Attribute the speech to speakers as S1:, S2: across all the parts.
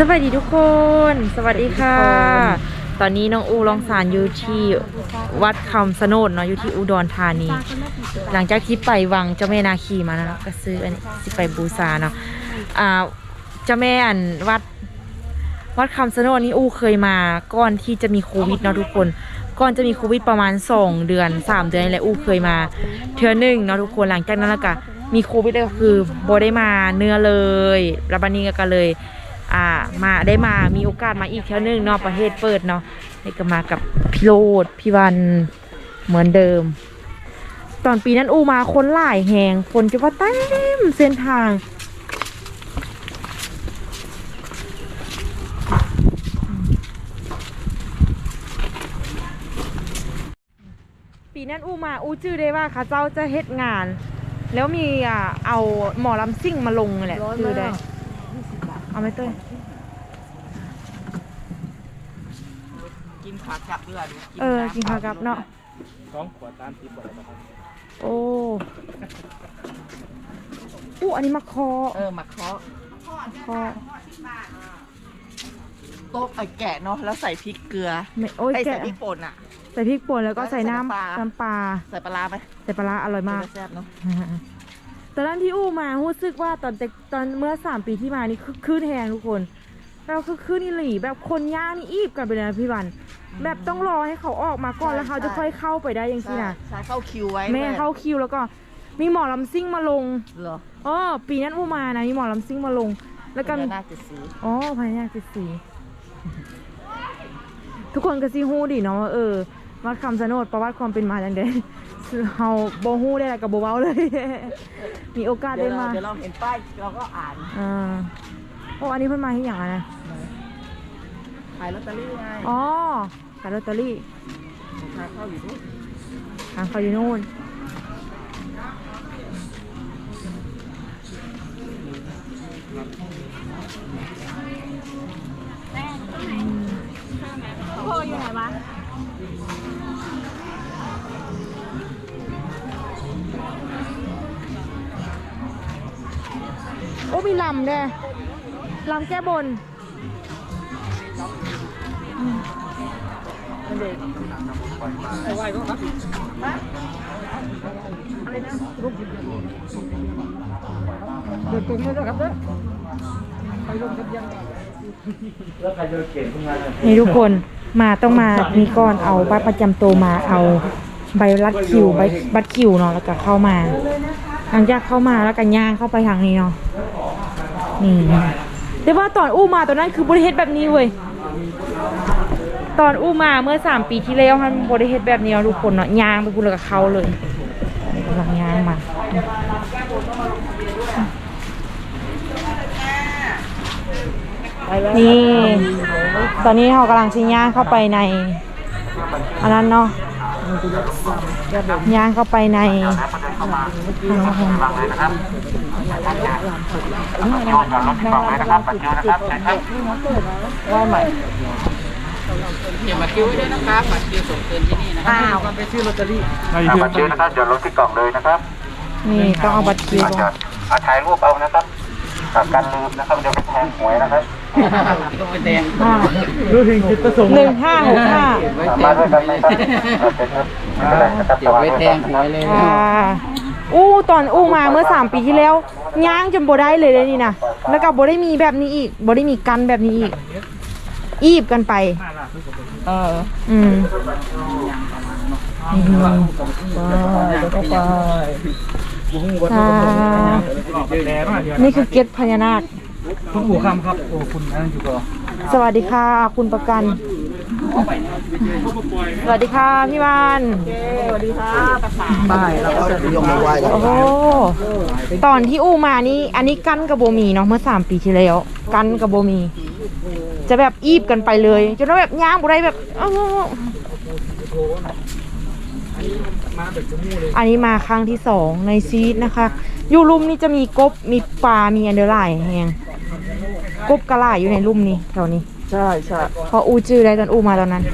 S1: สวัสดีทุกคน สวัสดีค่ะ ตอนนี้น้องอูลองสารอยู่ที่วัดคำสนดเนาะอยู่ที่อุดรธานี หลังจากที่ไปวังเจ้าแม่นาคีมานะก็ซื้ออันนี้สิไปบูชาเนาะเจ้าแม่อันวัดคำสนดนี่อูเคยมาก่อนที่จะมีโควิดเนาะทุกคนก่อนจะมีโควิดประมาณ2 เดือน 3 เดือนนี่แหละอูเคยมาเทื่อนึงเนาะทุกคนหลังจากนั้นแล้วก็มีโควิดก็คือบ่ได้มาเนื้อเลยแล้วบัดนี้ก็เลยมีโอกาสมาอีกเที่ยวนึงเนาะประเทศเปิดเนาะนี่ก็มากับพี่โรดพี่วันเหมือนเดิมตอนปีนั้นอูมาคนหลายแหงคนจะว่าเต็มเส้นทางปีนั้นอูมาอูจื้อได้ว่าเขาเจ้าจะเฮ็ดงานแล้วมีเอาหมอลำซิ่งมาลงแหละจื้อได้เอาไหมเต้ย
S2: กินขากับเลือด
S1: กินขากับเนาะ
S3: 2 ขวด30 บาทนะครับ
S1: โอ้อันนี้มาคอ
S2: มาเคาะโต๊ะแกะเนาะแล้วใส่พริกเกลือใส่พริกป่นอ่ะ
S1: ใส่พริกป่นแล้วก็ใส่น้ำปลา
S2: ใส่ปลาไหม
S1: ใส่ปลาอร่อยมาก
S2: แซ่บเนาะ
S1: ตอนนั้นที่อู้มารู้สึกว่าตอนเมื่อ3 ปีที่มานี่คือแหงทุกคนเราคือนี่หลีแบบคนย่างนี่อีบกันไปเลยนะพี่วันแบบต้องรอให้เขาออกมาก่อนแล้วเขาจะค่อยเข้าไปได้ยังสินะ
S2: ใช่เข้าคิวไว้
S1: แม่เข้าคิวแล้วก็มีหมอลำซิ่งมาลง
S2: เหร
S1: อปีนั้นอู้มานะมีหมอลำซิ่งมาลงแล้วก็
S2: น่าจะสี
S1: พญานาค7 สีทุกคนก็ซีฮู้ดิเนาะวัดคำสนดประวัติความเป็นมาจังเด้เฮาบ่ฮู้ได้กับบ่เว้าเลยมีโอกาสได้มา
S2: เดี๋ยวเราเห็นป้ายเราก็อ่าน
S1: อันนี้เพิ่นมาที่อย่างไรนะ
S2: ขายลอตเตอรี่ไง
S1: ขายลอตเตอรี่
S2: ทางเข้าอยู่นู่น
S1: ทางเข้าอยู่นู่นพ่ออยู่ไหนวะมีลำด้วยลำแก้บน
S3: ไหวก็ครับอะไรนะเดินตรงนี้ด้วยครับเด้อไปลงทะเบียนแล้วใครจะเก่งขึ้นมา
S1: นี่ทุกคนต้องมามีก่อนเอาบัตรประจำตัวมาเอาใบรัดคิวบัตรคิวเนาะแล้วก็เข้ามาหลังจากเข้ามาแล้วกันย่างเข้าไปทางนี้เนาะนี่แต่ว่าตอนอู้มาตอนนั้นคือบริเฮ็ดแบบนี้เว้ยตอนอู้มาเมื่อ3 ปีที่แล้วมันบริเฮ็ดแบบนี้ทุกคนเนาะย่างไปพูดแล้วกับเขาเลยกำลังย่างมานี่ตอนนี้เขากำลังชิย่างเข้าไปในอันนั้นเนาะย่างเข้าไปใน
S2: ว่าใหม่เขียนบัตรคิวไว้ด้วยนะครับบัตรคิวส่งคืนที่นี่นะครับ
S3: ไปซื้อลอตเตอรี่
S4: บัตรคิวนะครับจดลงที่กล่องเลยนะครับ
S1: นี่ต้องเอาบัตรคิว
S4: ถ่ายรูปเอานะครับการลืมนะครับเดี๋ยวไปแทงหวยนะครับ
S2: ต้องไปแทง
S3: รู้ถึงจุดประสงค์
S1: 1565
S4: มาด้วยกันไหมครับ
S2: เดี๋ยวไปแทงหวยเลย
S1: ตอนมาเมื่อ3 ปีที่แล้วย่างจนบ่ได้เลยนี่นะแล้วก็บ่ได้มีแบบนี้อีกบ่ได้มีกันแบบนี้อีกอีบกันไปนี่คือเกศพญานาค
S3: คุณผู้คำครับคุณนั่งอยู่ก่อน
S1: สวัสดีค่ะคุณประกันสวัสดีค่ะพี่วาน
S2: สวัสดีค่ะบ่ายเราก็จะยกมือไหว้กัน
S1: ตอนที่มานี่อันนี้กันกับโบมีเนาะเมื่อ3 ปีที่แล้วกันกับโบมีจะแบบอีบกันไปเลยจนแบบย่างบุไรแบบอันนี้มาครั้งที่2ในชีวิตนะคะอยู่ลุ่มนี้จะมีกบมีปลามีอันเดอร์ไลน์แหงกบกระไลอยู่ในลุ่มนี้แถวนี้
S2: ใช่
S1: พอจื้อได้ตอนมาตอนนั้น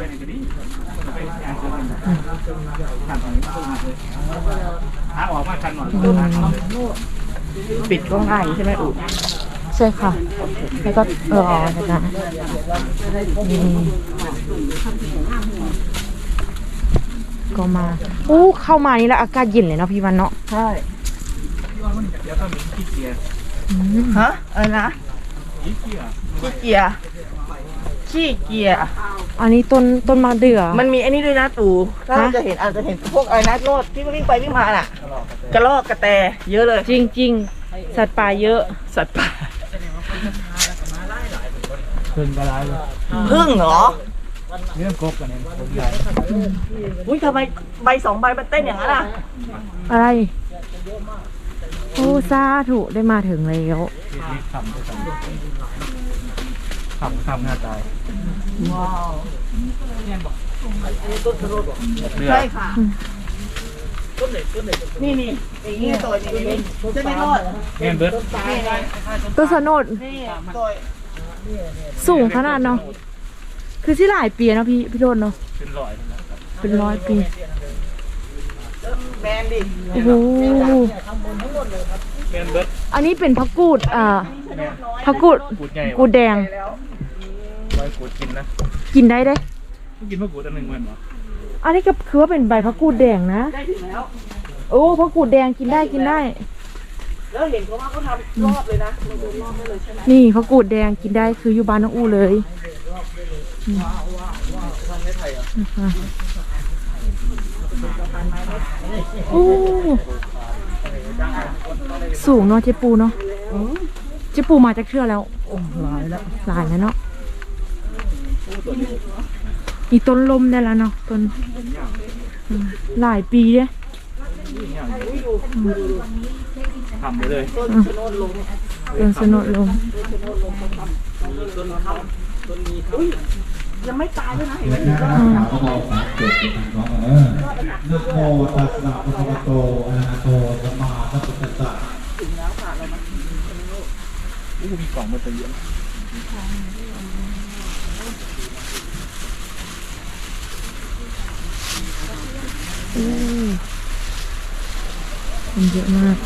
S3: หาออกมากันหน่อย
S2: ปิดก็ง่ายใช่ไหมอุ
S1: ใช่ค่ะ แล้วก็นะนี่ก็มาอู้เข้ามานี่แล้วอากาศเย็นเลยเนาะพี่วันเนาะ
S2: ใช่
S3: เดี๋ยวก็มีขี้เกียจ
S2: ฮะอะไรนะ
S3: ขี้เกียจ
S2: ขี้เกียร์ขี้เกียร์
S1: อันนี้ต้นมะเดื่อ
S2: มันมีไอ้นี่ด้วยนะตู่ถ้าเรา
S1: ฮะ
S2: จะเห็นอาจจะเห็นพวกอะไรนะโลดที่วิ่งไปวิ่งมาน่ะ กระรอกกระแตเยอะเลย
S1: จริงๆ สัตว์ป่าเยอะ
S2: สัตว์ป่า
S3: ขึ้นกระไรเลย
S2: พึ่งเหรอ
S3: เรื่องกบกันเองผมใหญ่
S2: อุ้ยทำไมใบสองใบมันเต้นอย่างนั้นอ่ะ
S1: อะไรโอ้ซาถูได้มาถึงแล้ว
S3: นี่คำด้วยกันคำหน้าตาย
S2: ว้าว
S3: เดือ
S2: ใช่
S3: ด
S2: ค่ะนี่อย่างนี้ตัวนี้จะไม่รอด
S3: แม่นเบิร์ด
S2: นี่ไง
S1: ต้นสนด
S2: นี่ตัว
S1: สูงขนาดเนาะคือที่หลายปีเนาะพี่โดนเนาะ
S3: เป็นร้อยนะครับ
S1: เป็น100 ปี
S2: แมนดิ
S1: โอ้โห
S3: แม่นเบิร์ด
S1: อันนี้เป็นผักกูด
S3: แม่น
S1: ผักกูด
S3: กูดใหญ่
S1: กูดแดง
S2: แล้ว
S3: ไว้กูดกินนะ
S1: กินได้เด้
S3: ไม่กินมะกรูดอันหนึ่งมันเหรอ
S1: อันนี้ก็คือว่าเป็นใบผักกูดแดงนะ
S2: ได้ถึงแล้ว
S1: โอ้ผักกูดแดงกินได้
S2: แล้วเห็นเขาว่าเขาทำรอบเลยนะมันรอบได้เลยใช่ไหม
S1: นี่ผักกูดแดงกินได้คืออยู่บ้านน้องอูเลยโอ้สูงเนาะเจ๊ปูเนาะเจ๊ปูมาจากเทื่อแล้ว
S2: หลายแล้ว
S1: หลายแล้วเนาะมีต้นลมได้แล้วเนาะต้นหลายปีเด้
S3: ทำไปเลย
S2: ต้นชะโนดลง
S1: ต้นสนดลม
S2: ยังไม่ตายด้วยนะเห็นไหม
S5: นะก็บอกสามเกิดเป็นทางร้องนะโมตัสสะภะคะวะโตอะระหะโตสัมมาสัมพุทธัสสะ
S3: มีกล่องมาเยอะ
S1: มันเยอะมาก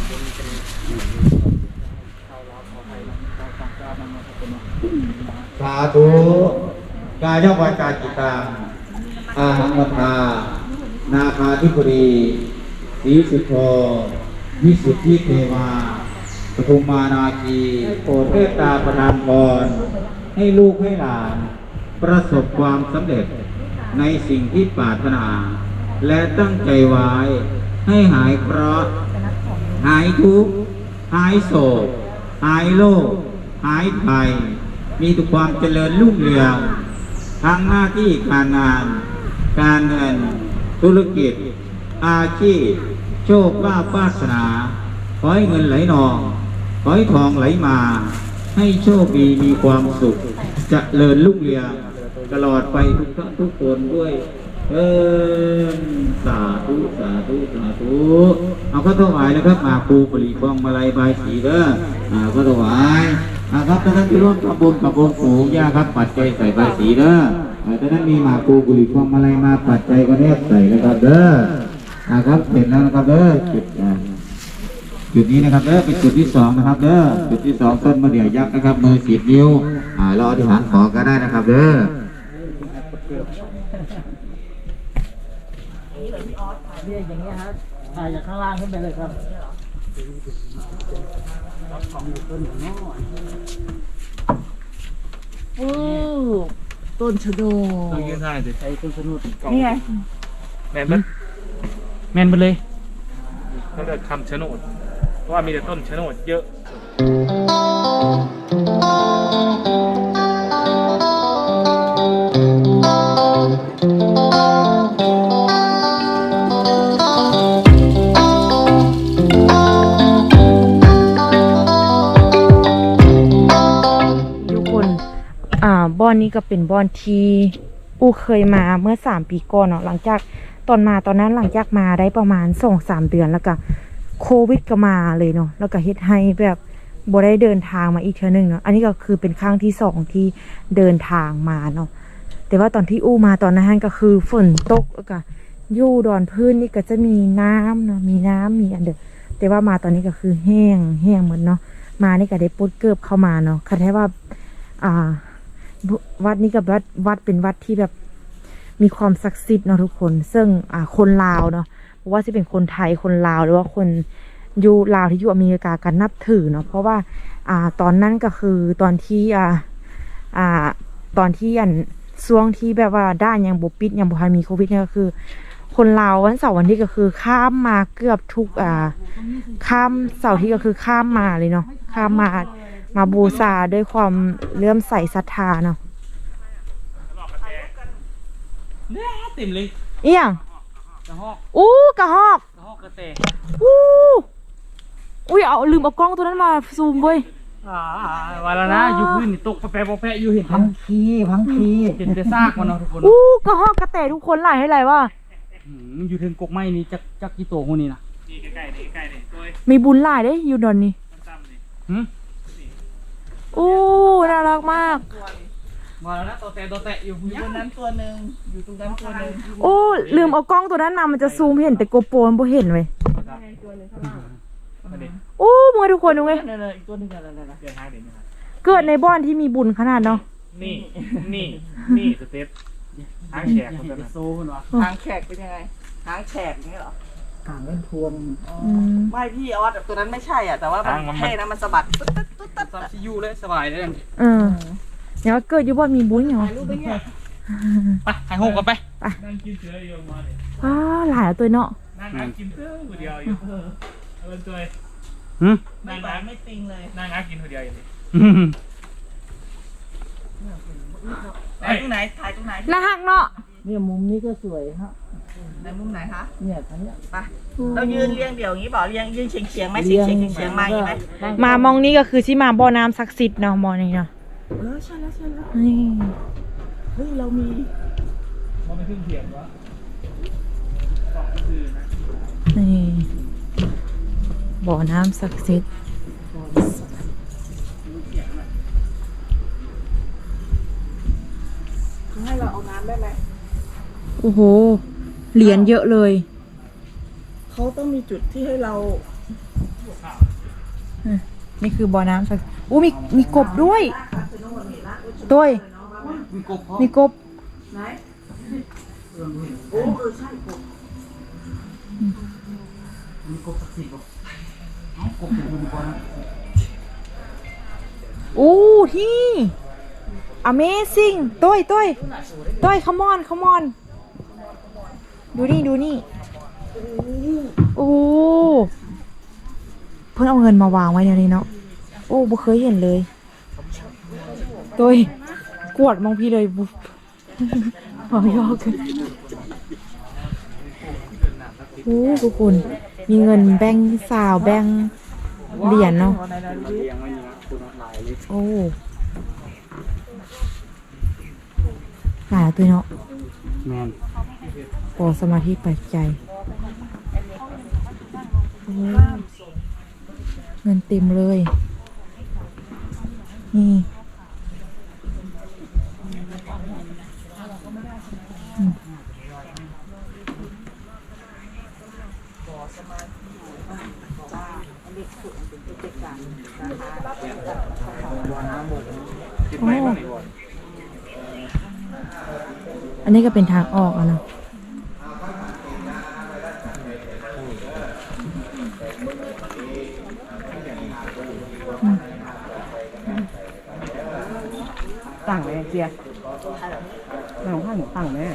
S5: สาธุกายวาจาจิตตังอาหังวัฏานาคาธิปรีสีสุโธวิสุทธิเทวาปฐุมมานาคีโปรดเมตตาประทานพรให้ลูกให้หลาน ประสบความสำเร็จในสิ่งที่ปรารถนา และตั้งใจไว้ให้หายเคราะห์หายทุกข์หายโศกหายโรคหายภัยมีแต่ความเจริญรุ่งเรืองทั้งหน้าที่การงาน การเงินธุรกิจ อาชีพโชคลาภวาสนาขอให้เงินไหลนองขอให้ทองไหลมา ให้โชคดีมีความสุขเจริญรุ่งเรืองตลอดไปทุกท่านทุกคนด้วยสาธุสาธุสาธุเอาก็ถวายนะครับมาปูปรีพวงมาลัยบายสีเด้อก็ถวายครับท่านที่ร่วมทำบุญกับองค์ปู่ย่าครับปัจจัยใส่บายสีเด้อท่านนั้นมีมาปูปรีพวงมาลัยมาปัจจัยก็แนบใส่นะครับเด้อครับเสร็จแล้วนะครับเด้อจุดนี้นะครับเด้อเป็นจุดที่2นะครับเด้อจุดที่2ต้นมะเดื่อยักษ์นะครับมือ10 นิ้วรออธิษฐานขอก็ได้นะครับเด้อ
S3: อย่างเงี้ยฮะถ่ายจากข้างล่างขึ้นไปเลยครับ
S2: โอ้ต้นชะโน
S3: ต้องยืนถ่ายสิใช้ต้นสนุด
S2: นี่ไง
S3: แมนเบิร์ดแมนไปเลยตั้งแต่คำชะโนดเพราะว่ามีแต่ต้นชะโนดเยอะ
S1: ทุกคนบ่อนนี้ก็เป็นบ่อนที่อูเคยมาเมื่อ3 ปีก่อนเนาะหลังจากตอนนั้นหลังจากมาได้ประมาณ2-3 เดือนแล้วก็โควิดก็มาเลยเนาะแล้วก็เฮ็ดให้แบบบ่ได้เดินทางมาอีกเทื่อนึงเนาะอันนี้ก็คือเป็นครั้งที่2ที่เดินทางมาเนาะแต่ว่าตอนที่อู้มาตอนนั้นก็คือฝนตกแล้วก็อยู่ดอนพื้นนี่ก็จะมีน้ำเนาะมีน้ำมีอันเดอแต่ว่ามาตอนนี้ก็คือแห้งหมดเนาะมานี่ก็ได้ปลดเกิบเข้ามาเนาะคันแท้ว่าวัดนี้กับวัดเป็นวัดที่แบบมีความศักดิ์สิทธิ์เนาะทุกคนซึ่งคนลาวเนาะเพราะว่าจะเป็นคนไทยคนลาวหรือว่าคนอยู่ลาวที่อยู่อเมริกากันนับถือเนาะเพราะว่าตอนนั้นก็คือตอนที่ช่วงที่แบบว่าด้านยังบ่ปิดยังบ่ทันมีโควิดเนี่ยก็คือคนลาววันเสาร์วันที่ก็คือข้ามมาเกือบทุกข้ามเสาร์ที่ก็คือข้ามมาเลยเนาะข้ามมาบูชาด้วยความเลื่อมใสศรัทธาเนาะ
S3: เต็มเลย
S1: อีหยัง
S3: กระหอก
S1: อู้กระหอก
S3: กระแต
S1: อู้อุ้ยเอาลืมเอากล้องตัวนั้นมาซูมเว้ย
S3: วันละนะอยู่พื้นนี่ตกแปะอยู่เห็น
S2: พังคี
S3: เห็นแต่ซากมันเนาะทุกคน
S1: อู้กระหอกกระแตทุกคนหลายให้หลายว่า
S3: อยู่ถึงกกไม้นี่จักกี่โตคนนี้นะ
S1: มีบุญหลายเด้อยู่ดอนนี่
S3: หืม
S1: อู้น่ารักมาก
S3: มาแล้วนะตัวแตะอยู่
S2: อยู่บนนั้นตัวหนึ่งอยู่ตรงนั้นตัวหนึ่ง
S1: โอ้ลืมเอากล้องตัวนั้นมามันจะซูมเห็นแต่โกโปรมันบ่เห็นเว้ยโอ้มึงทุกคนดูไง
S2: นั่นๆอีกตัวหนึ่งนั่น
S1: เกิดในบ้านที่มีบุญขนาดเนาะ
S6: นี่สเต็ปหางแฉกคนนั้น
S3: โซ่คนวะ
S2: ๆหางแฉกเป็นยังไงหางแฉกอย่างนี้เหรอ ไม่พี่ออสตัวนั้นไม่ใช่อ่ะแต่ว่ามันเท่นะมันสะบัดตุ๊ดตุ๊ดตุ๊ดตุ๊ด
S3: ซับซียูเลยสบายเลย
S1: เดี๋ยวเกิดอยู่บ้านมีบุญอย่าง
S2: รูปเป็นไง
S3: ไปหายหงกันไป
S6: นั่งกินเสืออยู่มาเนี่ย
S1: หลายตัวเนาะ
S6: นั่งกินเสือคนเดียวอยู่เอาเป็นตัว
S3: หืม
S2: ไม่หวานไม่ติงเลย
S6: นั่งกินคนเดียวอยู่นี่
S2: ถ่ายตรงไหนถ่ายตรงไหน
S1: น่าฮักเนาะ
S2: เนี่ยมุมนี้ก็สวยฮะในมุมไหนคะเนี่ยทางเนี้ยไปเรายืนเรียงเดี่ยวอย่างนี้บอกเรียงยืนเฉียงๆไหมเฉียงมาอย่างนี้ไหม
S1: มามองนี้ก็คือที่มาบ่อน้ำศักดิ์สิทธิ์เนาะมองนี่เนาะ
S2: ใช่แล้ว
S1: นี่
S2: เฮ้ยเรามี
S6: มันไม่ขึ้นเถียงวะ
S1: นี่บ่อน้ำศักดิ์สิทธิ์
S2: ให้เราเอาน้ำได้ไหม
S1: โอ้โหเหรียญเยอะเลย
S2: เขาต้องมีจุดที่ให้เรา
S1: นี่คือบ่อน้ำศักดิ์อู้มีกบด้วยด้วย
S3: มีกบพร้อม
S1: มีกบ
S2: ไหนโอ้ใช่กบ
S3: มีกบสักสี่กบกบอยู่บนก่อนนะ
S1: อู้ที่ Amazing ต้อย come on ดูนี่โอ้เพิ่งเอาเงินมาวางไว้ในนี้เนาะโอ้บ่เคยเห็นเลยต้อยกวดมองพี่เลยบุ๊บเอายอกกันโอ้ทุกคนมีเงินแบงค์สาวแบงค์เหรียญเนาะ
S3: เลี้ยงไว้นี่นะคุณหลายเลย
S1: โอ้หลายตัวเนาะ
S3: แมน
S1: ขอสมาธิปัจจัยโอ้เงินเต็มเลย นี่โอ้อันนี้ก็เป็นทางออกอ่ะเนาะ
S2: ต่างไหมเจียหนังผ้าหนูต่างไหม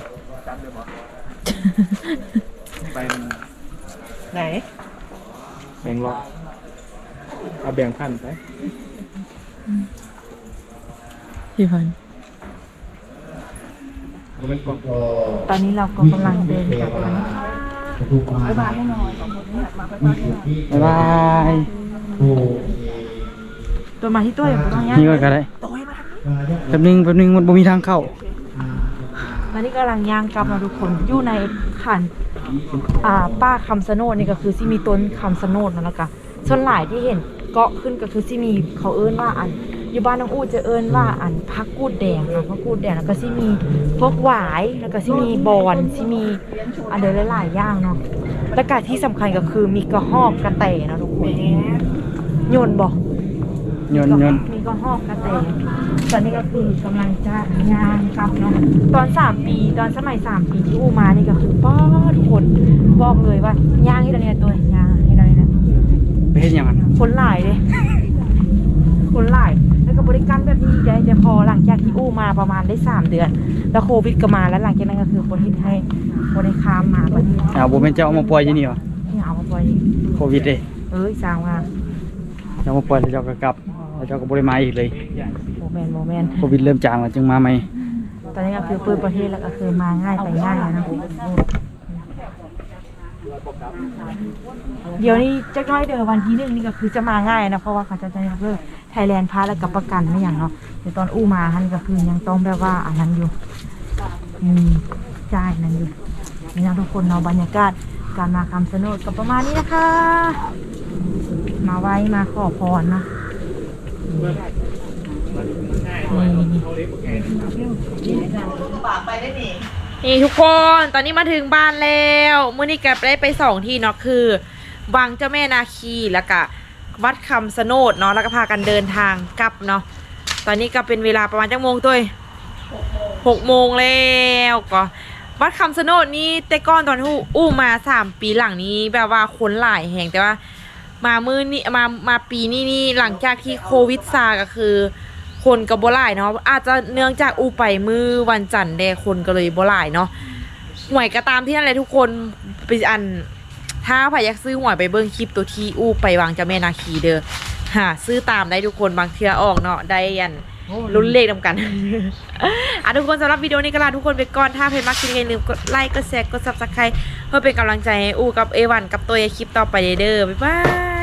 S6: ไป
S2: ไหน
S6: แบ่งล็อกเอาแบ่งพันไป
S1: พี่พัน
S6: มันเป็นกล่อง
S1: ตอนนี้เราก็กำลังเดินกลับกันนะคะ
S2: บ๊ายบายให้หน่อยสองคนนี้มาบ๊ายบายให้หน่อย
S3: บ๊ายบาย
S1: ตัวมาที่ตัวอย่างต้อง
S3: นี่ก็ได้
S2: โต้ยมาทางนี้
S3: แป๊บนึงมันบ่มีทางเข้า
S1: ตอนนี้กำลังย่างกลับมาทุกคนอยู่ในขันป้าคำสะโนดนี่ก็คือที่มีต้นคำสะโนดนั่นแหละค่ะส่วนหลายที่เห็นเกาะขึ้นก็คือที่มีเขาเอิ้นว่าอันอยู่บ้านน้องอู้จะเอิ้นว่าอันพักกูดแดงเนาะพักกูดแดงแล้วก็ที่มีพวกหวายแล้วก็ที่มีบอนที่มีอันเดอหลายๆอย่างเนาะแล้วก็ที่สำคัญก็คือมีกระหอกกระแตเนาะทุกคนโยนบอก
S6: ยนต์ยนต์
S1: มีก็หอกกระเตงตอนนี้ก็คือกำลังจะงานกลับเนาะตอน3 ปีตอนสมัย3 ปีที่อูมานี่ก็คือป้อทุกคนบอกเลยว่าย่างให้เราเนี่ยตัวย่างให้เราเนี่ยนะ
S6: ไปเฮ็ดหยังกัน
S1: คนหลายเลย คนหลายแล้วก็บริการแบบนี้ได้แต่พอหลังจากที่อูมาประมาณได้3 เดือน แล้วโควิดก็มาแล้วหลังจากนั้นก็คือคนที่ให้คนได้ข้ามมาประเทศ
S6: บ่แม่นเจ้าเอามาปล่อยอยู่นี่วะ
S1: นี่เอามาปล่อย
S6: โควิดเด้
S1: สร้างว่า
S6: เจ้ามาปล่อยแล้วเจ้าก็กลับแล้วเจ้าก็บ่ได้มาอีกเลย
S1: โมเมนต์โมเมนต์
S6: โควิดเริ่มจางแล้วจึงมาใหม่
S1: ตอนนี้ก็คือเปิดประเทศแล้วก็คือมาง่ายไปง่ายแล้วนะเดี๋ยวนี้จะน้อยเดี๋ยววันที่1นี่ก็คือจะมาง่ายนะเพราะว่าเขาจะยกเลิกไทยแลนด์พาสแล้วกับประกันไม่อย่างเนาะเดี๋ยวตอนอู้มาฮันก็คือยังต้องแบบว่าอันนั้นอยู่จ่ายนั้นอยู่นี่นะทุกคนเนาะบรรยากาศการมาคำชะโนดก็ประมาณนี้นะคะ มาไว้มาขอพรนะนี่ทุกคนตอนนี้มาถึงบ้านแล้วเมื่อนี้แกได้ไป2 ที่เนาะคือวังเจ้าแม่นาคีแล้วก็วัดคำสะโนดเนาะแล้วก็พากันเดินทางกลับเนาะตอนนี้ก็เป็นเวลาประมาณจักโมงตัว6 โมงแล้วก็วัดคำสะโนดนี้แต่ก่อนตอนที่อู้มา3 ปีหลังนี้แบบว่าคนหลายแห่งแต่ว่ามามือนี่มาปีนี้หลังจากที่โควิดซาก็คือคนก็บ่หลายเนาะอาจจะเนื่องจากอู้ไปมือวันจันทร์แดคนก็เลยบ่หลายเนาะหวยก็ตามที่นั่นเลยทุกคนไปอันถ้าใครอยากซื้อหวยไปเบิ่งคลิปตัวที่อู้ไปวางเจ้าแม่นาคีเด้อหาซื้อตามได้ทุกคนบางเทื่อออกเนาะได้ยันลุ้นเลขนำกัน ทุกคนสำหรับวิดีโอนี้ก็ลาทุกคนไปก่อนถ้าเพจมักคลิปอย่าลืมกดไลค์กดแชร์กด Subscribe เพื่อเป็นกำลังใจให้อู้กับเอวันกับตัวคลิปต่อไปเด้อบ๊ายบาย